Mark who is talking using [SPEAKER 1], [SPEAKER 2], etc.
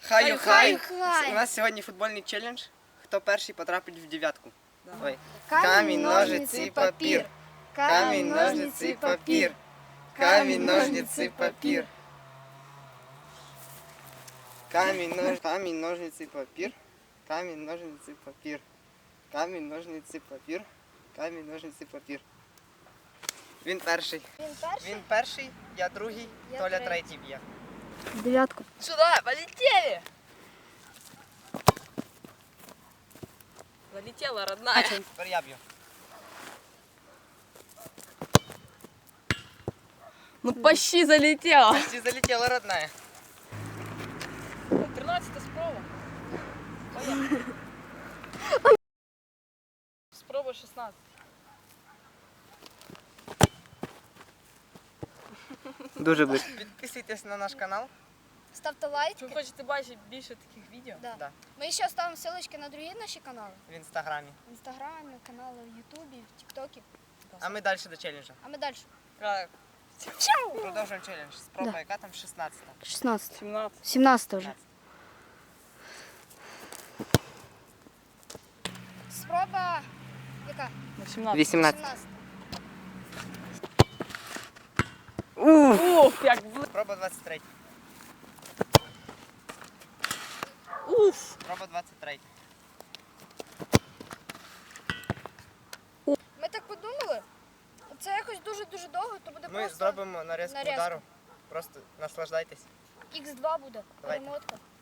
[SPEAKER 1] Хаю-хай!
[SPEAKER 2] Хай-хай!
[SPEAKER 1] У нас сьогодні футбольний челендж. Хто перший потрапить в дев'ятку? Ой.
[SPEAKER 2] Камінь, ножниці, папір.
[SPEAKER 1] Камінь, ножниці, папір. Камінь, ножниці, папір. Камінь, ножниці, папір. Камінь, ножниці, папір. Камінь, ножниці, папір. Камінь, ножниці, папір. Він перший. Він перший, я другий,
[SPEAKER 2] Я
[SPEAKER 1] Толя
[SPEAKER 2] третій.
[SPEAKER 1] третій б'є.
[SPEAKER 2] Дев'ятку.
[SPEAKER 3] Сюда, полетели! Залетела, родная.
[SPEAKER 1] Тепер я б'ю.
[SPEAKER 3] Ну почти залетела.
[SPEAKER 1] Почти залетіла родная.
[SPEAKER 3] 13 спроба. Поехали. Спроба 16.
[SPEAKER 1] Дуже близько. Підписуйтесь на наш канал.
[SPEAKER 2] Ставте лайки.
[SPEAKER 3] Якщо ви хочете бачити більше таких відео,
[SPEAKER 2] Да.
[SPEAKER 1] Да.
[SPEAKER 2] Ми ще оставимо ссылочки на другі наші канали.
[SPEAKER 1] В інстаграмі.
[SPEAKER 2] В інстаграмі, канали в Ютубі, в Тіктокі.
[SPEAKER 1] А ми далі до челенджа.
[SPEAKER 2] А ми далі.
[SPEAKER 3] так,
[SPEAKER 1] Продовжуємо челендж. Спроба,
[SPEAKER 2] Да.
[SPEAKER 1] яка там 16-та.
[SPEAKER 2] 16.
[SPEAKER 3] 17.
[SPEAKER 2] 17 вже. Спроба яка?
[SPEAKER 3] 18.
[SPEAKER 1] 18.
[SPEAKER 2] 17.
[SPEAKER 3] Уф, як
[SPEAKER 1] Спроба 23.
[SPEAKER 3] уф.
[SPEAKER 1] Спроба 23.
[SPEAKER 2] Ми так подумали. Це якось дуже-дуже довго, то буде
[SPEAKER 1] Ми
[SPEAKER 2] просто
[SPEAKER 1] зробимо нарізку
[SPEAKER 2] нарізку.
[SPEAKER 1] удару. Просто наслаждайтесь.
[SPEAKER 2] Х2 буде.
[SPEAKER 1] Давайте.
[SPEAKER 2] Перемотка.